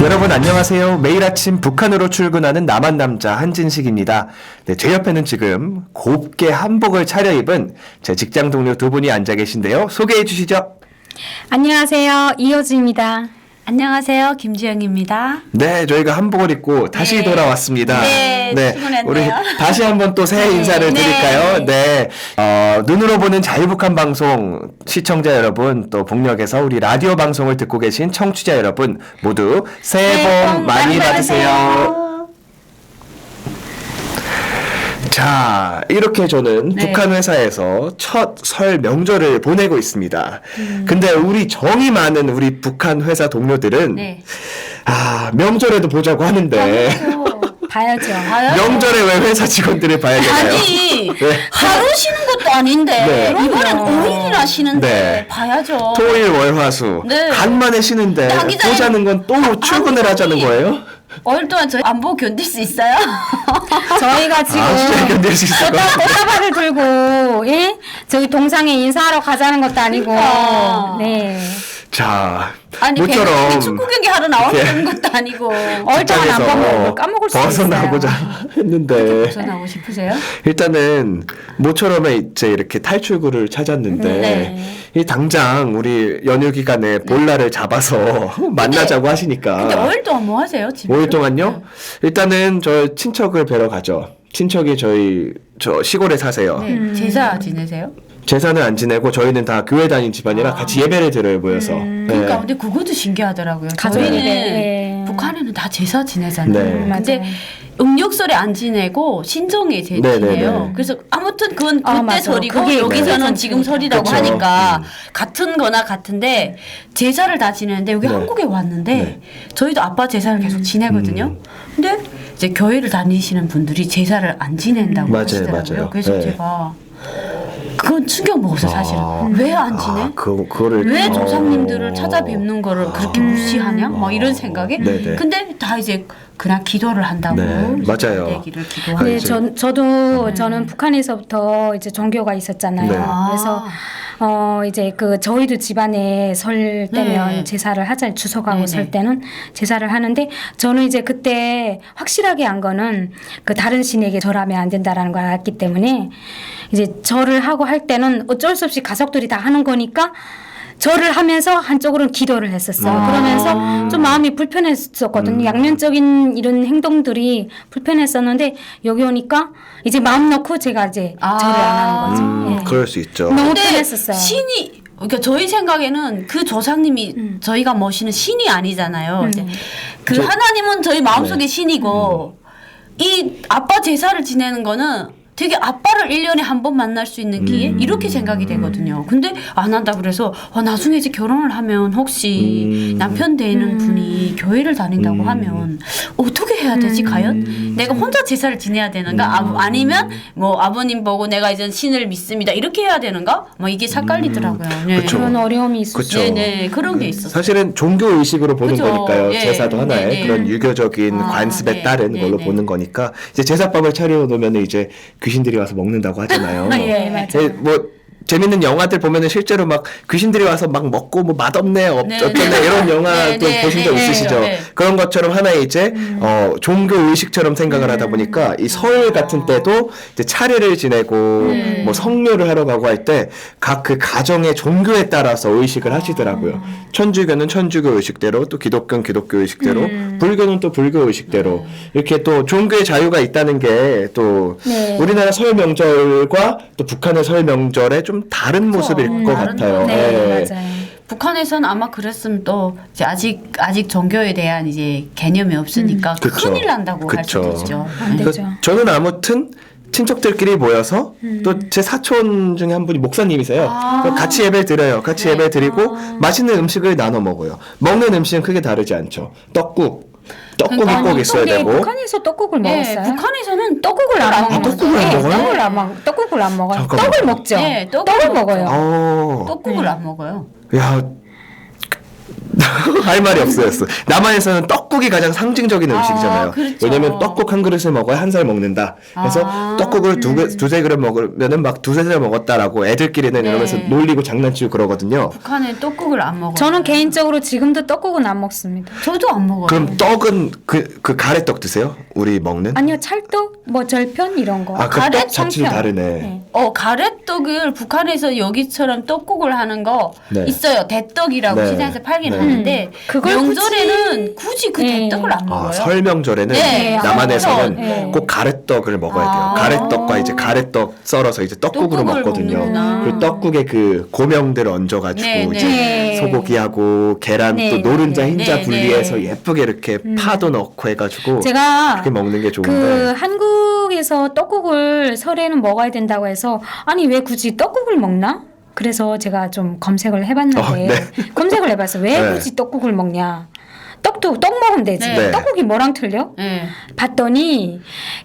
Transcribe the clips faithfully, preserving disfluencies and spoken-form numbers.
여러분 안녕하세요. 매일 아침 북한으로 출근하는 남한 남자 한진식입니다. 네, 제 옆에는 지금 곱게 한복을 차려입은 제 직장 동료 두 분이 앉아 계신데요. 소개해 주시죠. 안녕하세요. 이효주입니다. 안녕하세요. 김주영입니다. 네, 저희가 한복을 입고 다시 네. 돌아왔습니다. 네, 출근했네요. 우리 다시 한번 또 새해 네. 인사를 네. 드릴까요? 네, 어, 눈으로 보는 자유북한 방송 시청자 여러분, 또 북녘에서 우리 라디오 방송을 듣고 계신 청취자 여러분 모두 새해 복 많이 받으세요. 자, 이렇게 저는 네. 북한 회사에서 첫 설 명절을 보내고 있습니다. 음. 근데 우리 정이 많은 우리 북한 회사 동료들은 네. 아, 명절에도 보자고 하는데 봐야죠. 명절에 왜 회사 직원들을 봐야 되나요? 아니 네. 하루 쉬는 것도 아닌데 네. 이번엔 오 일이나 쉬는데 네. 봐야죠. 토일 월화수 네. 간만에 쉬는데 근데 하기 전에- 보자는 건 또 출근을 하자는 거예요? 오 일 동안 저희 안 보고 견딜 수 있어요? 저희가 지금 아, 진짜 견딜 수 있을 것 꽃다- 같아요. 꽃다발을 들고 예? 저희 동상에 인사하러 가자는 것도 아니고 그러니까. 네. 자, 아니 모처럼 괜히 축구 경기 하러 나오는 이렇게 것도 아니고 얼 동안 안 직장에서 먹으면 까먹을 수 벗어나고자 있어요. 했는데 전하고 싶으세요? 일단은 모처럼 이제 이렇게 탈출구를 찾았는데 네. 이 당장 우리 연휴 기간에 볼날을 잡아서 만나자고 하시니까 근데 오 일 동안 뭐 하세요? 집에서? 오 일 동안요? 일단은 저 친척을 뵈러 가죠. 친척이 저희 저 시골에 사세요. 네. 음. 제사 지내세요? 제사는 안 지내고 저희는 다 교회 다닌 집안이라 아. 같이 예배를 드려요 모여서. 음. 네. 그러니까 근데 그것도 신기하더라고요. 가족이 저희는 네. 북한에는 다 제사 지내잖아요. 네. 근데 맞아요. 음력설에 안 지내고 신정에 제 네, 네, 지내요. 네. 그래서 아무튼 그건 그때 아, 맞아. 설이고 그게 여기서는 좀 지금 설이라고 그쵸. 하니까 음. 같은 거나 같은데 제사를 다 지내는데 여기 네. 한국에 왔는데 네. 저희도 아빠 제사를 계속 지내거든요. 음. 근데 이제 교회를 다니시는 분들이 제사를 안 지낸다고 맞아요, 하시더라고요. 맞아요. 그래서 네. 제가 그건 충격 먹었어요, 사실은. 아. 왜 안 지내? 아, 그 그거를 왜 어. 조상님들을 찾아뵙는 거를 그렇게 무시하냐? 뭐 이런 생각에. 네네. 근데 다 이제 그냥 기도를 한다고. 네, 맞아요. 되기를 기도하고. 네, 이제- 저, 저도 저는 북한에서부터 이제 종교가 있었잖아요. 네. 그래서 어 이제 그 저희도 집안에 설 때면 네. 제사를 하자 주석하고 네네. 설 때는 제사를 하는데 저는 이제 그때 확실하게 한 거는 그 다른 신에게 절하면 안 된다라는 걸 알았기 때문에 이제 절을 하고 할 때는 어쩔 수 없이 가족들이 다 하는 거니까 절을 하면서 한쪽으로는 기도를 했었어요. 아. 그러면서 좀 마음이 불편했었거든요. 음. 양면적인 이런 행동들이 불편했었는데 여기 오니까 이제 마음 놓고 제가 이제 아. 절을 안 하는 거죠. 음, 예. 그럴 수 있죠. 너무 근데 편했었어요. 신이 그러니까 저희 생각에는 그 조상님이 음. 저희가 모시는 신이 아니잖아요. 음. 이제 그 저- 하나님은 저희 마음속에 네. 신이고 이 아빠 제사를 지내는 거는 되게 아빠를 일 년에 한 번 만날 수 있는 기회 음. 이렇게 생각이 되거든요. 근데 안 한다 그래서 어, 나중에 이제 결혼을 하면 혹시 음. 남편 되는 음. 분이 교회를 다닌다고 음. 하면 어떻게 해야 되지 음. 과연? 내가 혼자 제사를 지내야 되는가? 음. 아, 아니면 뭐 아버님 보고 내가 이제 신을 믿습니다 이렇게 해야 되는가? 뭐 이게 삭갈리더라고요. 네. 그쵸. 그런 어려움이 있었어요. 그쵸. 네네 그런 게 있었어요. 사실은 종교 의식으로 보는 그죠. 거니까요. 예. 제사도 하나의 네, 네. 그런 유교적인 아, 관습에 네. 따른 네, 걸로 네. 보는 거니까 이제 제사밥을 차려 놓으면 이제 귀신들이 와서 먹는다고 하잖아요. 예, 맞아요. 예, 뭐 재밌는 영화들 보면은 실제로 막 귀신들이 와서 막 먹고 뭐 맛없네 어, 네, 어쩌네 네. 이런 영화도 네, 네, 보신 적 네, 있으시죠? 네. 그런 것처럼 하나의 이제 음. 어, 종교 의식처럼 생각을 하다 보니까 이 설 같은 때도 이제 차례를 지내고 네. 뭐 성묘를 하러 가고 할 때 각 그 가정의 종교에 따라서 의식을 아. 하시더라고요. 천주교는 천주교 의식대로 또 기독교는 기독교 의식대로 음. 불교는 또 불교 의식대로 이렇게 또 종교의 자유가 있다는 게 또 네. 우리나라 설 명절과 또 북한의 설 명절의 좀 다른 모습일 음, 것 다른 같아요. 네, 예. 맞아요. 북한에서는 아마 그랬으면 또 이제 아직 아직 종교에 대한 이제 개념이 없으니까 그쵸. 큰일 난다고 할 그쵸. 수도 있죠. 안 네. 되죠. 그 저는 아무튼 친척들끼리 모여서 음. 또 제 사촌 중에 한 분이 목사님이세요. 아. 그래서 같이 예배 드려요. 같이 네. 예배 드리고 아. 맛있는 음식을 나눠 먹어요. 먹는 음식은 크게 다르지 않죠. 떡국, 떡국이 그러니까 꼭 있어야 근데 되고. 북한에서 떡국을 네, 먹었어요? 북한에서는 떡국을 안 먹어요. 떡국을 안 네, 먹어요? 떡을 안 먹, 떡국을 안 먹어요. 잠깐만. 떡을 먹죠. 네, 떡을 떡을 먹죠. 먹어요. 어, 떡국을 네. 안 먹어요. 야, 할 말이 없어졌어. 남한에서는 떡국 떡국이 가장 상징적인 아, 음식이잖아요. 그렇죠. 왜냐면 떡국 한 그릇을 먹어야 한 살 먹는다. 그래서 아. 떡국을 두, 그- 두세 그릇 먹으면은 막 두세 살 먹었다라고 애들끼리는 네. 이러면서 놀리고 장난치고 그러거든요. 북한에 떡국을 안 먹어요. 저는 개인적으로 지금도 떡국은 안 먹습니다. 저도 안 먹어요. 그럼 떡은 그, 그 가래떡 드세요? 우리 먹는? 아니요, 찰떡, 뭐 절편 이런 거. 아, 그 가래 떡 자체도 청편. 다르네. 네. 어 가래떡을 북한에서 여기처럼 떡국을 하는 거 네. 있어요. 대떡이라고 네. 시장에서 팔긴 네. 하는데 음, 그걸 명절에는 굳이, 그 네. 대떡을 안 먹어요. 아, 설명절에는 네, 남한에서는 네. 꼭 가래떡을 먹어야 돼요. 아. 가래떡과 이제 가래떡 썰어서 이제 떡국으로 떡국을 먹거든요. 먹는구나. 그 떡국에 그 고명들 얹어가지고 네, 이제 네. 소고기하고 계란 네, 또 노른자 네, 흰자 네, 분리해서 네. 예쁘게 이렇게 파도 넣고 해가지고 제가 그렇게 먹는 게 좋은데. 그 한국에서 떡국을 설에는 먹어야 된다고 해서 아니 왜 굳이 떡국을 먹나? 그래서 제가 좀 검색을 해봤는데 어, 네. 검색을 해봤어. 왜 네. 굳이 떡국을 먹냐? 떡도 떡 먹으면 되지. 네. 떡국이 뭐랑 틀려? 네. 봤더니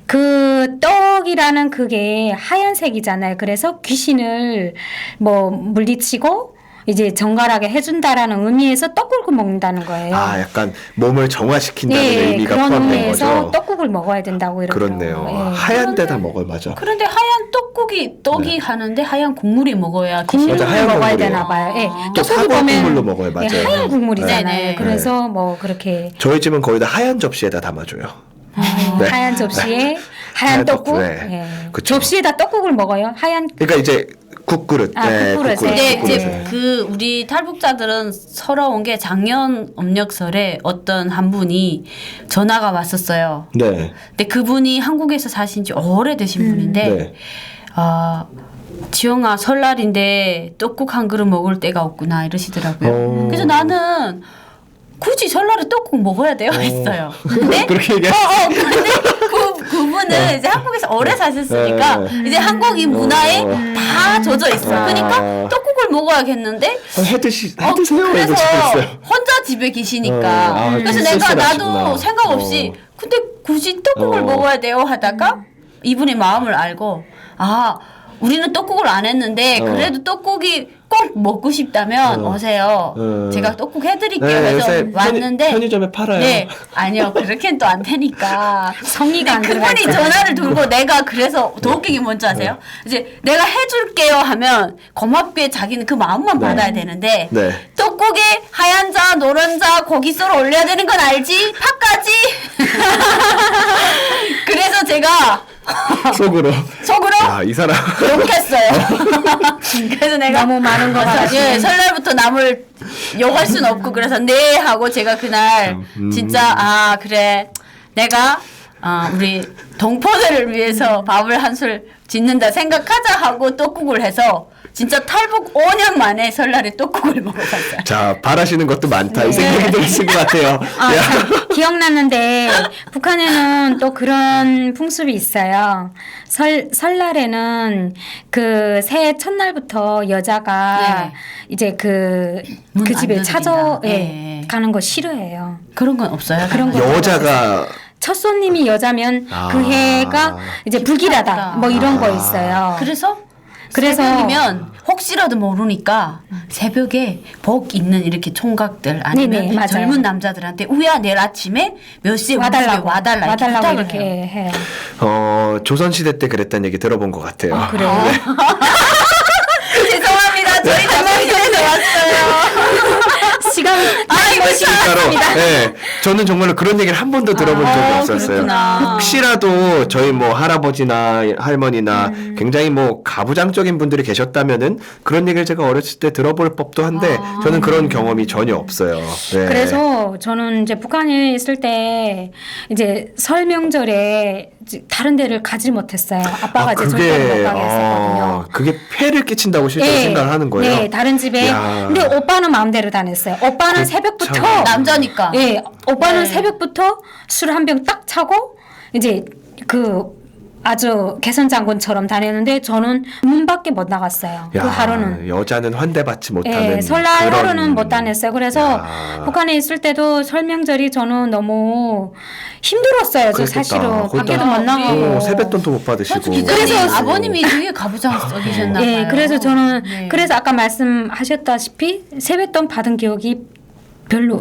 그 떡이라는 그게 하얀색이잖아요. 그래서 귀신을 뭐 물리치고 이제 정갈하게 해준다라는 의미에서 떡국을 먹는다는 거예요. 아 약간 몸을 정화시킨다는 의미가 그런 포함된 의미에서 거죠. 떡국을 먹어야 된다고 이러더라고요. 그렇네요. 예. 하얀 데다 먹어요, 맞아. 그런데 하얀 떡국이 떡이 네. 하는데 하얀 국물이 먹어야 국물을 맞아, 하얀 먹어야 국물이에요. 되나 봐요. 예. 또 떡국이 사과 보면 국물로 먹어요, 맞아요. 예, 하얀 국물이잖아요. 네, 네. 그래서 뭐 그렇게 저희 집은 거의 다 하얀 접시에다 담아줘요. 아, 네. 하얀 접시에 하얀 하얀 떡국. 떡국, 네. 예. 그쵸. 접시에다 떡국을 먹어요. 하얀 그러니까 이제 국그릇. 아, 국그릇에. 국그릇, 근데 네, 이제 국그릇에. 그 우리 탈북자들은 서러운 게 작년 음력설에 어떤 한 분이 전화가 왔었어요. 네. 근데 그분이 한국에서 사신 지 오래되신 분인데 네. 아 지영아 설날인데 떡국 한 그릇 먹을 때가 없구나 이러시더라고요. 어. 그래서 나는 굳이 설날에 떡국 먹어야 돼요 했어요. 근데 그렇게 어, 얘기했어요. 어, 근데 그, 그분은 이제 한국에서 오래 사셨으니까 네. 이제 한국인 문화에 어. 다 젖어 있어. 아. 그러니까 떡국을 먹어야겠는데 어, 해드시, 어, 해드세요. 그래서 이러고 싶었어요. 혼자 집에 계시니까 어, 아, 그래서 그 내가 쓸쓸하시구나. 나도 생각 없이 어. 근데 굳이 떡국을 어. 먹어야 돼요 하다가 이분의 마음을 알고 아 우리는 떡국을 안 했는데 어. 그래도 떡국이 꼭 먹고 싶다면 어. 오세요. 어. 제가 떡국 해드릴게요. 네, 해서 요새 왔는데 편의, 편의점에 팔아요. 네 아니요 그렇게는 또 안 되니까 성의가 안 근데 들어가 그분이 있잖아요. 전화를 돌고 내가 그래서 더 웃긴 게 뭔지 아세요? 이제 내가 해줄게요 하면 고맙게 자기는 그 마음만 네. 받아야 되는데 네. 떡국에 하얀 자 노란 자 고기 썰어 올려야 되는 건 알지? 파까지? 그래서 제가 속으로. 속으로 야, 이 사람. 욕했어요. 그래서 내가 너무 많은 거 그래서 가지고. 예, 설날부터 남을 욕할 순 없고 그래서 네 하고 제가 그날 음. 진짜 아 그래 내가 어, 우리 동포들을 위해서 밥을 한술 짓는다 생각하자 하고 떡국을 해서 진짜 탈북 오 년 만에 설날에 떡국을 먹어봤어요. 자, 바라시는 것도 많다. 네. 이 생각이 드신 것 같아요. 아, 야. 참, 기억났는데 북한에는 또 그런 풍습이 있어요. 설 설날에는 그 새해 첫날부터 여자가 네. 이제 그 문안 그 집에 두드린다. 찾아 예, 네. 가는 거 싫어해요. 그런 건 없어요. 그런 거 여자가 첫 손님이 여자면 아. 그 해가 이제 불길하다 뭐 이런 거 아. 있어요. 그래서 그래서- 새벽이면 혹시라도 모르니까 새벽에 복 있는 이렇게 총각들 아니면 네네, 맞아요. 젊은 남자들한테 우야 내일 아침에 몇 시에 우리 집에 와달라고 와달라 이렇게 와달라고 부탁을 이렇게 해요. 해요. 어, 조선시대 때 그랬다는 얘기 들어본 것 같아요. 아, 그래요? 죄송합니다. 저희 장난에서 왔어요. 시간 아이고 진짜로. 네, 저는 정말로 그런 얘기를 한 번도 들어본 적이 아, 없었어요. 그렇구나. 혹시라도 저희 뭐 할아버지나 할머니나 음. 굉장히 뭐 가부장적인 분들이 계셨다면은 그런 얘기를 제가 어렸을 때 들어볼 법도 한데 아. 저는 그런 경험이 전혀 없어요. 네. 그래서 저는 이제 북한에 있을 때 이제 설 명절에 이제 다른 데를 가지 못했어요. 아빠가 아, 이제 절대로 못 그게 가게 했었거든요. 아, 그게 폐를 끼친다고 실제로 네, 생각을 하는 거예요. 네, 다른 집에. 야. 근데 오빠는 마음대로 다녔어요. 오빠는 그 새벽부터 참. 남자니까. 예, 오빠는 네. 새벽부터 술 한 병 딱 차고 이제 그 아주 개선 장군처럼 다녔는데 저는 문 밖에 못 나갔어요. 야, 그 하루는. 여자는 환대받지 못하는 예, 설날 그런- 하루는 못 다녔어요. 그래서 야. 북한에 있을 때도 설명절이 저는 너무 힘들었어요. 저 그랬겠다. 사실은 거기다- 밖에도 못 나가고. 어, 세뱃돈도 못 받으시고. 기자님 그래서- 아버님이 되게 가부장적이셨나 봐요. 예, 그래서 저는 네. 그래서 아까 말씀하셨다시피 세뱃돈 받은 기억이 별로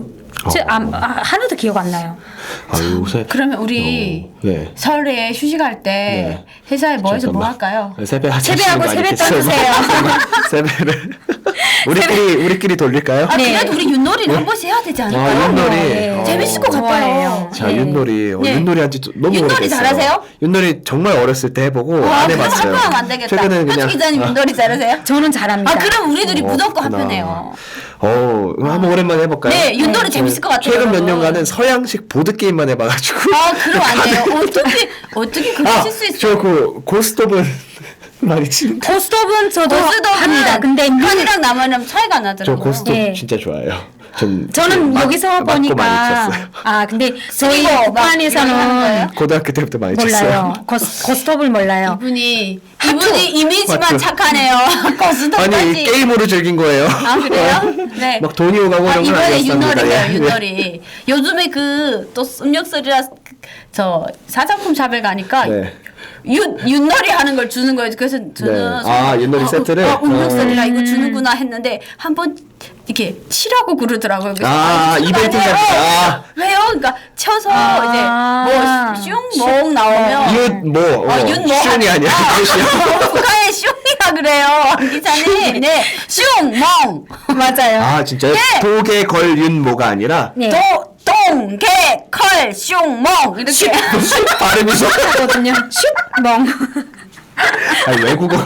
저, 아, 아, 하나도 기억 안 나요. 아, 요새 그러면 우리 어, 네. 설에 휴식할 때 네. 회사에 뭐 해서 뭐 잠깐만. 할까요? 세배 세배하고 세배 떠주세요. 세배를 우리끼리 우리끼리 돌릴까요? 아 네. 그래도 우리 윷놀이를 한 번씩 해야 되지 않을까요? 아, 윷놀이. 네. 어. 재밌을 것 같아요. 좋아해요. 자, 네. 윷놀이. 어, 네. 윷놀이 한지 너무 윷놀이 오래됐어요. 잘하세요? 윷놀이 정말 어렸을 때 해보고 와, 안 그럼 해봤어요. 합하면 안 되겠다. 최근에는 그냥 현주 기자님 아, 윷놀이 잘하세요? 저는 잘합니다. 아 그럼 우리 둘이 어, 무조건 그렇구나. 합편해요. 어, 그럼 한번 오랜만에 해볼까요? 네, 윷놀이 네. 재밌을 것 같아요. 최근 몇 여러분. 년간은 서양식 보드 게임만 해봐가지고. 아 그럼 안 돼요. 어떻게 어떻게 그러실 수 있어요? 저그 고스톱은 많이 치는데. 고스톱은 저도 고스톱은 합니다. 근데 눈, 판이랑 나무는 차이가 저 나더라고요. 고스톱 네. 진짜 좋아해요. 전 저는 맞- 여기서 맞고 많이 보니까 쳤어요. 아 근데 저희 그리고 막 이런 거 하는 북한에서는 거예요? 고등학교 때부터 많이 몰라요. 쳤어요. 고스, 고스톱을 몰라요. 이분이 이분이 이미지만 맞죠? 착하네요. 고스톱까지. 아니 게임으로 즐긴 거예요. 아 그래요? 네. 막 돈이 오가고 아, 이런 건 이번에 아니었습니다. 윷놀이네요, 예. 윷놀이. 요즘에 그 또 습력설이라 저 사장품 샵에 가니까 네. 윷 윷놀이 하는 걸 주는 거예요. 그래서 저는 네. 아, 윷놀이 세트를? 어, 음력설이라 어. 이거 주는구나 했는데 한번 이렇게 치라고 그러더라고요. 그래서 아, 치는 거 이벤트 아니에요? 같은 거. 아. 왜요? 그러니까 쳐서 아. 이제 뭐슝몽 나오면 윷 뭐? 어, 아, 윷 뭐? 슌이 아니야. 윷이요. 북한에 슝이라 그래요. 기사님. 네. 슝몽. 맞아요. 아 진짜요? 네. 도개 걸윤모가 아니라 네. 도, 동, 개, 컬, 슝몽. 이렇게. 발음이 좀 하거든요. 슛 멍. 아니 외국어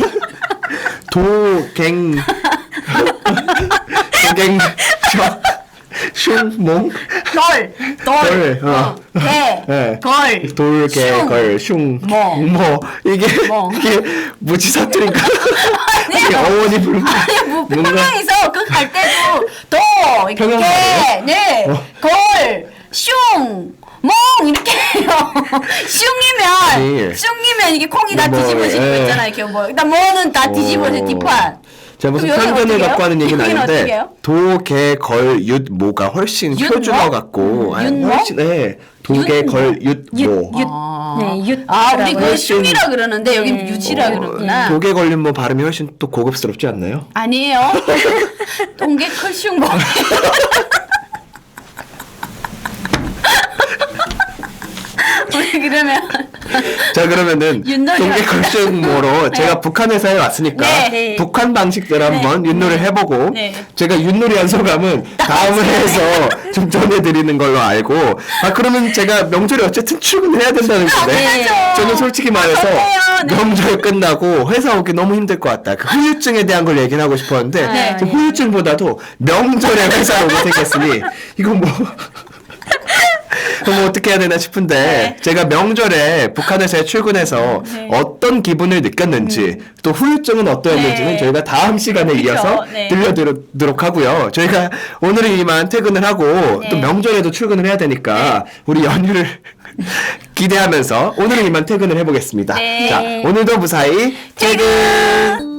도갱 도갱 슝몽 걸, 돌, 걸, 어. 개, 네. 걸, 돌개 슝. 걸 슝 멍. 뭐 이게 멍. 이게 무지 사투리인가? 이게 어원이 불 아니, 뭐, 뭔가 평양에서 그 갈 때도 도, 이렇게, 평양 개, 말이에요? 네, 어. 걸, 슝, 멍 이렇게 해요. 슝이면 아니. 슝이면 이게 콩이 다 뭐, 뒤집어지는 거 예. 있잖아요. 이렇게 뭐 일단 뭐는 다 뒤집어져 오. 뒷판. 제가 무슨 그럼 여기는 편견을 어떻게 갖고 해요? 하는 얘기는 여기는 어떻게 아닌데 해요? 도개 걸윷 모가 훨씬 윷 표준어 뭐? 같고 아니, 윷 뭐? 훨씬 네 도개 윷 걸윷 윷, 모 윷. 아. 네, 윷. 아, 우리 그 훨씬- 슝이라 그러는데 여기 네. 유치라 어, 그러구나. 도개 걸린 뭐 발음이 훨씬 또 고급스럽지 않나요? 아니에요. 동계 클슝 뭐. 우리 그러면 자 그러면은 윷놀이 동계 할까요? 걸윷모로 제가 북한 회사에 왔으니까 네. 네. 북한 방식대로 한번 윷놀이 해보고 네. 제가 윷놀이 한 소감은 다음 회에서 좀 전해드리는 걸로 알고 아 그러면 제가 명절에 어쨌든 출근해야 된다는 건데 네. 저는 솔직히 말해서 좋네요. 네. 명절 끝나고 회사 오기 너무 힘들 것 같다 그 후유증에 대한 걸 얘기를 하고 싶었는데 네. 그 후유증보다도 명절에 회사로 오게 생겼으니 이거 뭐 그럼 어떻게 해야 되나 싶은데 네. 제가 명절에 북한에서 출근해서 네. 어떤 기분을 느꼈는지 또 후유증은 어떠했는지는 네. 저희가 다음 시간에 그쵸. 이어서 네. 들려드리도록 하고요. 저희가 오늘은 이만 퇴근을 하고 네. 또 명절에도 출근을 해야 되니까 우리 연휴를 기대하면서 오늘은 이만 퇴근을 해보겠습니다. 네. 자, 오늘도 무사히 퇴근!